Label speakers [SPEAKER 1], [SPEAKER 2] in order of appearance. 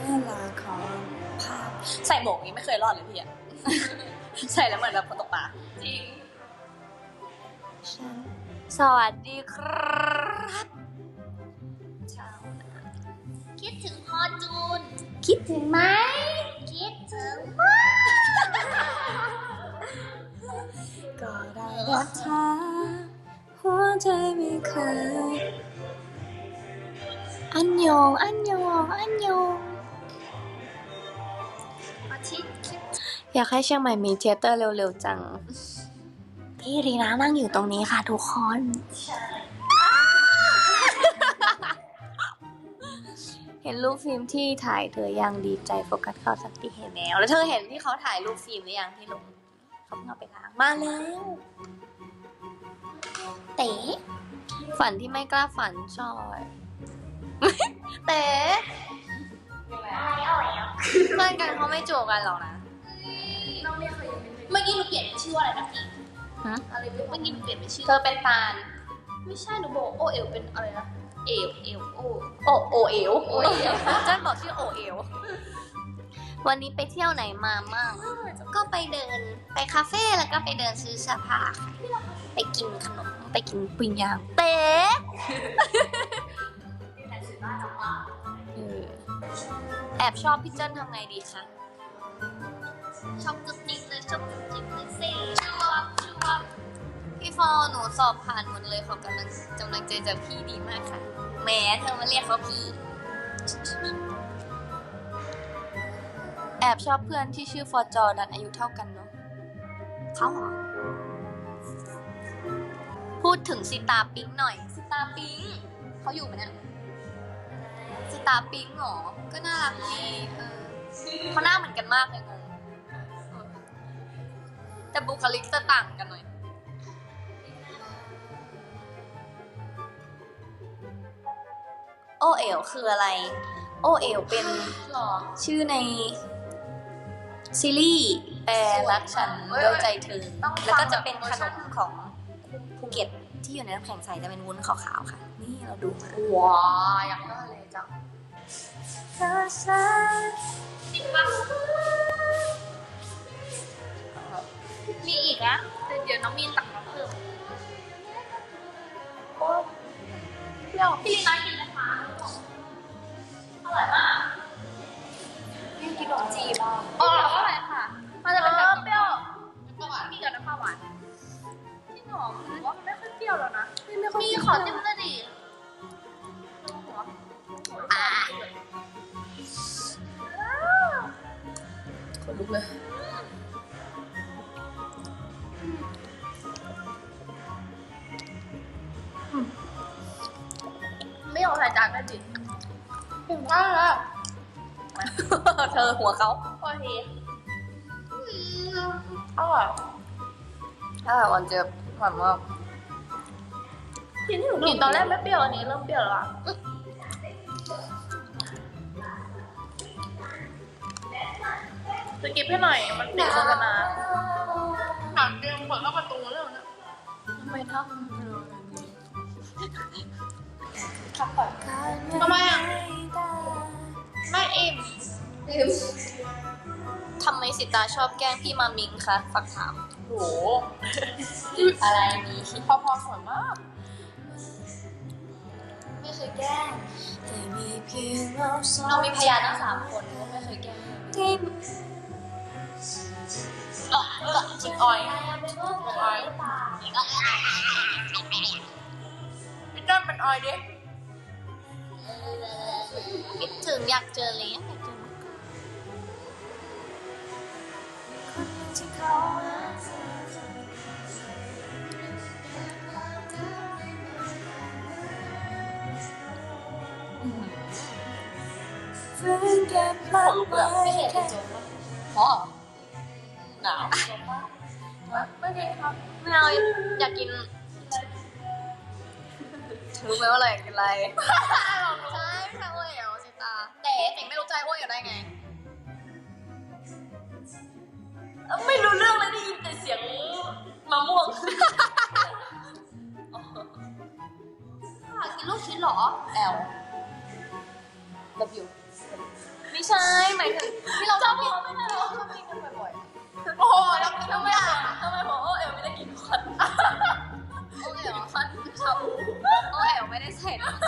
[SPEAKER 1] ลาของภาพใส่หมวกนี้ไม่เคยรอดเลยพี่อะ ใส่แล้วเหมือนแบบคนตกปลาจริงสวัสดีครับเช้า
[SPEAKER 2] คิดถึงพอจูน
[SPEAKER 1] คิดถึงไหม
[SPEAKER 2] คิดถึงมาก
[SPEAKER 1] ก็ได้รักเธอหัวใจไม่เคยอันยองอันยองอันยอง
[SPEAKER 2] อาทิตย์คิด
[SPEAKER 1] อยากให้เชียงใหม่มีเทยเตอร์เร็วๆจังพี่รีนานั่งอยู่ตรงนี้ค่ะทุกคน เห็นรูปฟิล์มที่ถ่ายเธอยังดีใจโฟกัสเข้าสักทีเห็นแล้วเธอเห็นที่เขาถ่ายรูปฟิล์มหรือยังที่ลงเขาเพิ่งเอาไปล้างมาแล้วเต๋ฝันที่ไม่กล้าฝันชอย เต๋
[SPEAKER 2] อะไรอ่อยอ่ะ
[SPEAKER 1] เพื่อนกันเขาไม่จูบกันหรอกนะ
[SPEAKER 2] เราเรียกเขายังเมื่อกี้หนูเปลี่ยนเป็นชื่อว่าอะไรนะพี่
[SPEAKER 1] ฮะ
[SPEAKER 2] อะไรเมื่อกี้หนูเปลี่ยนเป็นชื่อ
[SPEAKER 1] เธอเป็นฟาน
[SPEAKER 2] ไม่ใช่หนูบอกโอเอลเป็นอะไรนะเอลโอ
[SPEAKER 1] โอเอล
[SPEAKER 2] โอเอล
[SPEAKER 1] เจ้าบอกชื่อโอเอลวันนี้ไปเที่ยวไหนมามั่งก็ไปเดินไปคาเฟ่แล้วก็ไปเดินซื้อเสื้อผ้าค่ะไปกินขนมไปกินปิ้งย่างเต๊ะแอบชอบพี่เจิ้นทำไงดีคะ
[SPEAKER 2] ชอบกึ๊บจิ๊บเลยชอบกึ๊บจิ๊บเลยสิชอบชอบ
[SPEAKER 1] พี่ฟอหนูสอบผ่านหมดเลยขอกำลังใจจากพี่ดีมากค่ะแหมเธอมาเรียกเขาพี่แอบชอบเพื่อนที่ชื่อฟอจอดันอายุเท่ากันเนาะเขาเหรอพูดถึงสิตาปิ๊งหน่อยสิตาปิ๊งเขาอยู่ไหมเนี่ยสิตาปิ๊งเหรอก็น่ารักดีเขาหน้าเหมือนกันมากเลยงงแต่บุคลิกจะต่างกันหน่อยโอเอ๋วคืออะไรโอเอ๋วเป็น
[SPEAKER 2] หรอ
[SPEAKER 1] ชื่อในซีรีส์แปลรักฉันด้วยใจเธอแล้วก็จะเป็นขนมของภูเก็ตที่อยู่ในน้ำแข็งใสจะเป็นวุ้นขาวๆค่ะ นี่เราดูมา
[SPEAKER 2] ว้าอยากได้เลยจังจริงปะมีอีกนะแต่เดี๋ยวน้องมีนตักมาเพิ่มโอ้เปรี้ยวพี่ลีน่ากินนะคะอร่อยมากพี่กินขนมจีบอ๋ออร่อยค่ะมันจะเป็นแบบเปรี้ยวน้ำปลาหวานมีกับน้ำปลาหวานที่หอมหรือว่ามันไม่ค่อยเปรี้ยวแล้วนะมีขอจิ้มเลยดิ
[SPEAKER 1] คนลุกเลย
[SPEAKER 2] ไม่ยอมใส่จานได้ดิถึงได้แล้ว
[SPEAKER 1] เธอหัวเขา
[SPEAKER 2] พอทีอร่อย
[SPEAKER 1] วันเจอหวานมาก
[SPEAKER 2] กินที่หนูกินตอนแรกไม่เปรี้ยวอันนี้เริ่มเปรี้ยวแล้วอะจะกินให้หน่อยมันติดโฆษณาหนังเตรียมเปิดเข้าประตูเรื่องนี้ทำไมทำขับก่อนทำไมอ่ะไม่อิ่ม
[SPEAKER 1] ทำไมสิตาชอบแกล้งพี่มามิงคะฝากถาม
[SPEAKER 2] โห
[SPEAKER 1] อะไรมี
[SPEAKER 2] พอสวยมาก
[SPEAKER 1] ไม่เคยแกล้งแต่มีเพียงเรามีพยานทั้ง3 คนก็ไม่เคยแกล้ง
[SPEAKER 2] จิกออยพี่เจ้าเป็นออยดิ
[SPEAKER 1] คิดถึงอยากเจอเลยอยากเจอ
[SPEAKER 2] ขนลุกเลยไม่เห็นจริงๆอ๋อหนาวไม่ได้ครับ
[SPEAKER 1] ไม่เอาอยากกินรู้ไหมว่าอะไรอยากกินอะไรใช่ไม่ใช่โอเอ๋วสิตาแต่ไม่รู้ใจโอเอ๋วได้ไงไม่รู้เรื่องเลยได้ยินแต่เสียงมะม่วง
[SPEAKER 2] กินลูกชิ้นเหรอ
[SPEAKER 1] L W ไม่ใช่หมายถึงที่เราชอบกินไม่ใช่เราชอบกินกันบ่อยๆโอ้โหเรากินทำไมบอกโอเอ๋วไม่ได้กินควันโอเอ๋วควันชอบโอเอ๋วไม่ได้ใส่น้ำ